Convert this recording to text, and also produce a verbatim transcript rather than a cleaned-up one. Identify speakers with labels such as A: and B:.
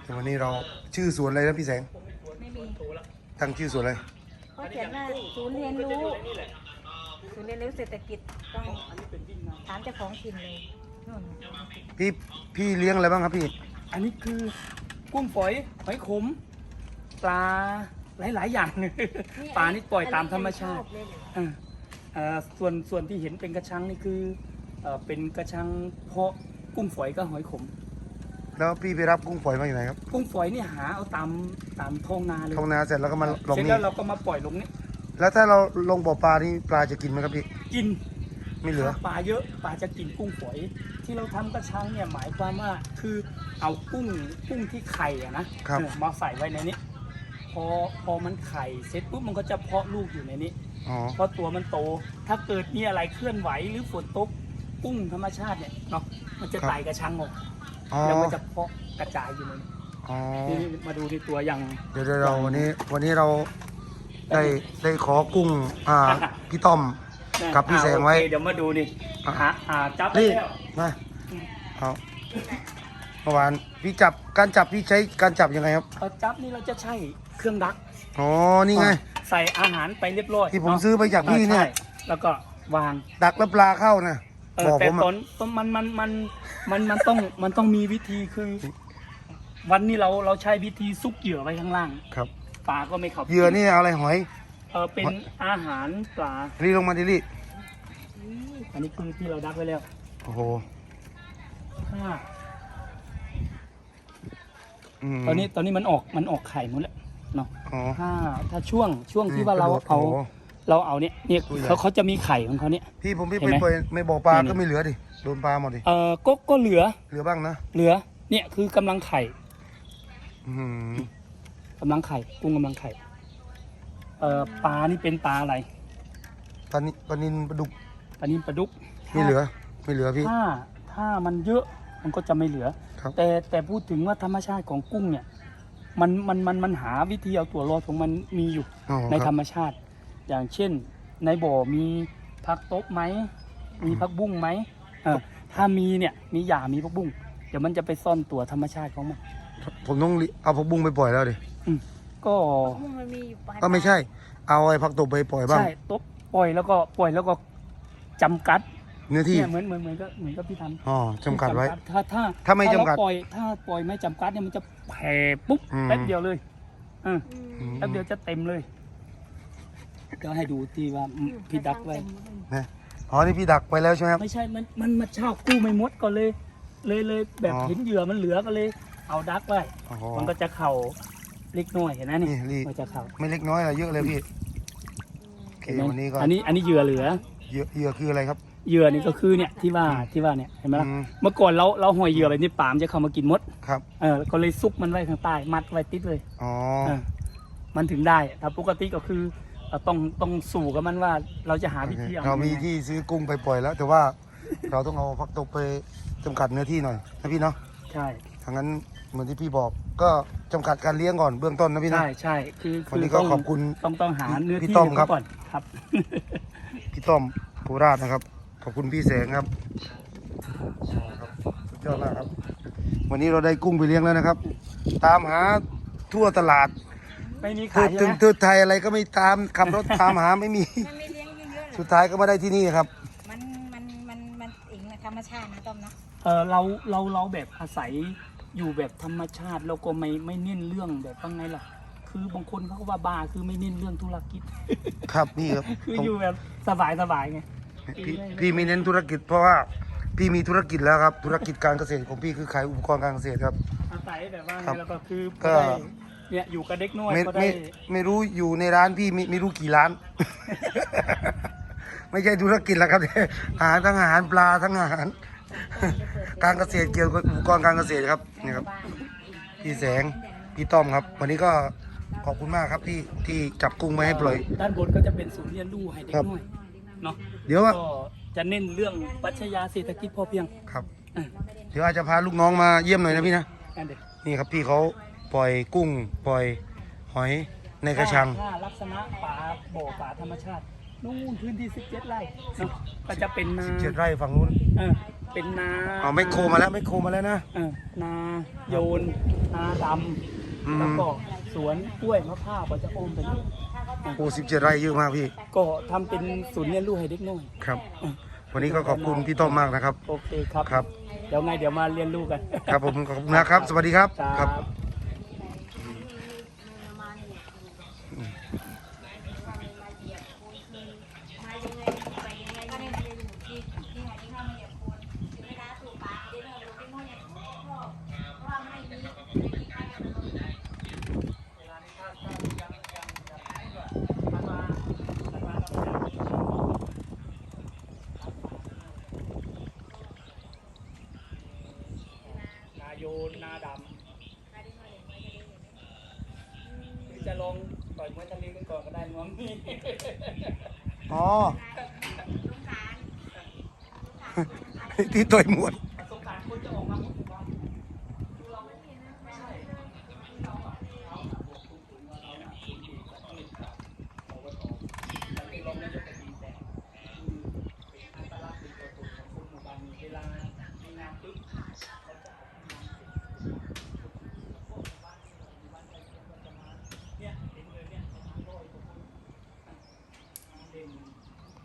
A: วันนี้เราชื่อสวนอะไรนะพี่แสง
B: ไม่มี
A: ตั้งชื่อสวนอะไร
B: เขาเขียนว่าศูนย์เรียนรู้ศูนย์เรียนรู้เศรษฐกิจต้องถามเจ้าของถิ่นเลยนู่น
A: พี่พี่เลี้ยงอะไรบ้างครับพี่
C: อันนี้คือกุ้งฝอยหอยขมปลาหลายๆอย่างปลานี่ปล่อยตามธรรมชาติอ่าอ่าส่วนส่วนที่เห็นเป็นกระชังนี่คือเอ่อเป็นกระชังเพาะกุ้งฝอยกับหอยขม
A: แล้วพี่ไปรับกุ้งฝอยมาอยู่ไหนครับ
C: กุ้งฝอยนี่หาเอาตามตามท้องนาเลย
A: ท้องนาเสร็จแล้วก็มาลงนี่
C: เสร็จแล้วเราก็มาปล่อยลงนี่
A: แล้วถ้าเราลงบ่อปลานี่ปลาจะกินไหมครับพี่
C: กิน
A: ไม่เหลือ
C: ปลาเยอะปลาจะกินกุ้งฝอยที่เราทำกระชังเนี่ยหมายความว่าคือเอากุ้งกุ้งที่ไข่อะนะมาใส่ไว้ในนี้พอพอมันไข่เสร็จปุ๊บมันก็จะเพาะลูกอยู่ในนี้เพราะตัวมันโตถ้าเกิดมีอะไรเคลื่อนไหวหรือฝนตกกุ้งธรรมชาติเนี่ยเนาะมันจะไต่กระชังออกแล้วมันจะเพาะกระจายอยู่ในนี้นี่มาดูในตัวอย่าง
A: เดี๋ยวเราวันนี้วันนี้เราได้ได้ขอกุ้งอ่าพี่ต้อมกับพี่แสงไว้
C: เดี๋ยวมาดูนี่หาหาจับ
A: นี่มาเอาเมื่อวานพี่จับการจับพี่ใช้การจับยังไงครับ
C: จับนี่เราจะใช้เครื่องดัก
A: อ๋อนี่ไง
C: ใส่อาหารไปเรียบร้อย
A: ที่ผมซื้อไปจากพี่เนี่ย
C: แล้วก็วาง
A: ดักแล้วปลาเข้านะ
C: บอกผมแต่ตอนมันมันมันมันมันต้องมันต้องมีวิธีคือวันนี้เราเราใช้วิธีซุกเหยื่อไว้ข้างล่าง
A: ครับ
C: ปลาก็ไม่เข้า
A: เหยื่อนี่อะไรหอย
C: เออเป็นอาหารปลา
A: รีลงมาดิลี่
C: อันนี้คือที่เราดักไว้แล้ว
A: โอ้โห
C: ตอนนี้ตอนนี้มันออกมันออกไข่หมดแล้วเนาะถ้าถ้าช่วงช่วงที่ว่าเราเอาเราเอาเนี่ยเนี่ยเขาเขาจะมีไข่ของเขาเนี่ย
A: พี่ผมพี่ไปไปไม่บอกปลาก็ไม่เหลือดิโดนปลาหมดดิ
C: เออก็ก็เหลือ
A: เหลือบ้างนะ
C: เหลือเนี่ยคือกำลังไข่กำลังไข่กุ้งกำลังไข่เอ่อปลานี่เป็นปลาอะไร
A: ปลานิปลานินปลาดุก
C: ปลานินปลาดุก
A: ไม่เหลือไม่เหลือพี่
C: ถ้าถ้ามันเยอะมันก็จะไม่เหลือแต่แต่พูดถึงว่าธรรมชาติของกุ้งเนี่ยมันมันมันมันหาวิธีเอาตัวรอดของมันมีอยู่ในธรรมชาติอย่างเช่นในบ่อมีผักตบไหมมีผักบุ้งไหมเออถ้ามีเนี่ยมีหญ้ามีผักบุ้งเดี๋ยวมันจะไปซ่อนตัวธรรมชาติของมัน
A: ผมต้องเอาผักบุ้งไปปล่อยแล้วดิ
C: ก็
A: ก็ไม่ใช่เอาไอ้ผักตบไปปล่อยบ้าง
C: ใช่ตบปล่อยแล้วก็ปล่อยแล้วก็จำกัด
A: เนื้อที่
C: เหมือนเหมือนเหมือนก็เหมือนกับพี่ทำ
A: อ๋อจำกัดไว้
C: ถ้าถ้า
A: ถ้าไม่จำกัด
C: ปล่อยถ้าปล่อยไม่จำกัดเนี่ยมันจะแผ่ปุ๊บแป๊บเดียวเลยอ่าแป๊บเดียวจะเต็มเลยก็ให้ดูที่ว่าพี่ดักไว้
A: อ๋อนี่พี่ดักไปแล้วใช่ไหมครับ
C: ไม่ใช่มันมันมาเช่ากู้ไม่หมดก็เลยเลยเลยแบบเห็นเหยื่อมันเหลือก็เลยเอาดักไว้มันก็จะเข่าเล็กน้อยเห็นไหมนี่มันจะเข่า
A: ไม่เล็กน้อยอะไรเยอะเลยพี่โอเควันนี้ก็
C: อันนี้อันนี้เหยื่อเหลือ
A: เหยื่อเหยื่อคืออะไรครับ
C: เหยื่อนี่ก็คือเนี่ยที่ว่าที่ว่าเนี่ยเห็นไหมล่ะเมื่อก่อนเราเราห่อยเหยื่อแบบนี้ปามจะเข้ามากินมด
A: ครับ
C: เออก็เลยซุกมันไว้ข้างใต้มัดไว้ติดเลย
A: อ๋อ
C: มันถึงได้ถ้าปกติก็คือต้องต้องสู่กับมันว่าเราจะหาวิธี
A: เรามีที่ซื้อกุ้งไปปล่อยแล้วแต่ว่าเราต้องเอาผักตบไปจำกัดเนื้อที่หน่อยนะพี่เนาะ
C: ใช่
A: ทางนั้นเหมือนที่พี่บอกก็จำกัดการเลี้ยงก่อนเบื้องต้นนะพี่นะ
C: ใช่ใช่คือ
A: วันนี้ก็ขอบคุณ
C: ต้องต้องหาเนื้อที่ก่อนครับ
A: พี่ต้อมโคราชนะครับขอบคุณพี่แสงครับสุดยอดมากครับวันนี้เราได้กุ้งไปเลี้ยงแล้วนะครับตามหาทั่วตลาด
C: ไม่มีขาย
A: ถึงเทือกไทยอะไรก็ไม่ตามขับรถตามหาไม่มีสุดท้ายก็มาได้ที่นี่ครับ
B: มันมันมันมันอิงในธรรมชาตินะต้อมนะ
C: เออเราเราเราแบบอาศัยอยู่แบบธรรมชาติเราก็ไม่ไม่เน้นเรื่องแบบว่าไงล่ะคือบางคนเขาก็ว่าบ้าคือไม่เน้นเรื่องธุรกิจ
A: ครับนี่ครับ
C: คืออยู่แบบสบายสบายไง
A: พี่พี่ไม่เน้นธุรกิจเพราะว่าพี่มีธุรกิจแล้วครับธุรกิจการเกษตรของพี่คือขายอุปกรณ์การเกษตรครับ
C: อาศัยแบบว่าแล้วก็คือก็เนี่ยอยู่กับเด็กน้อยก็ได้
A: ไม่ไม่รู้อยู่ในร้านพี่ไม่ไม่รู้กี่ร้านไม่ใช่ธุรกิจแล้วครับอาหารทั้งอาหารปลาทั้งอาหารการเกษตรเกี่ยวกับอุปกรณ์การเกษตรครับนี่ครับพี่แสงพี่ต้อมครับวันนี้ก็ขอบคุณมากครับที่ที่จับกุ้งมาให้ปล่อย
C: ด้านบนก็จะเป็นศูนย์เรียนรู้ให้เด็กน้อยเนาะ
A: เดี๋ยวว่า
C: จะเน้นเรื่องปรัชญาเศรษฐกิจพอเพียง
A: ครับเดี๋ยวอาจจะพาลูกน้องมาเยี่ยมหน่อยนะพี่นะนี่ครับพี่เขาปล่อยกุ้งปล่อยหอยในกระชัง
C: ถ้าลักษณะป่าบ่อป่าธรรมชาตินู่นพื้นที่สิบเจ็ดไร่ก็จะเป็น
A: สิบเจ็ดไร่ฝั่งนู้น
C: เออเป็นนา
A: อ๋อไม่โครมาแล้วไม่โครมาแล้วนะ
C: เออนาโยนนาด
A: อืม
C: ำแล้วก็สวนกล้วยมะพร้าวก็จะอ้อมไปนี่
A: โอ้สิบเจ็ดไร่เยอะมากพี่
C: ก็ทำเป็นศูนย์เรียนรู้ให้เด็กน้อย
A: ครับ วันนี้ก็ขอบคุณพี่ต้อมมากนะครับ
C: โอเคครับ
A: ครับ
C: เดี๋ยวไงเดี๋ยวมาเรียนรู้กัน
A: ครับผมขอบคุณนะครับ สวัสดีครับ
C: ค
A: ค
C: รั
A: รับ
C: บ นาโยนนาดำหรือจะลองต่อยมวยทะเลกันก่อนก็ได้น้องนี่
A: อ๋อ ที่ต่อยมวย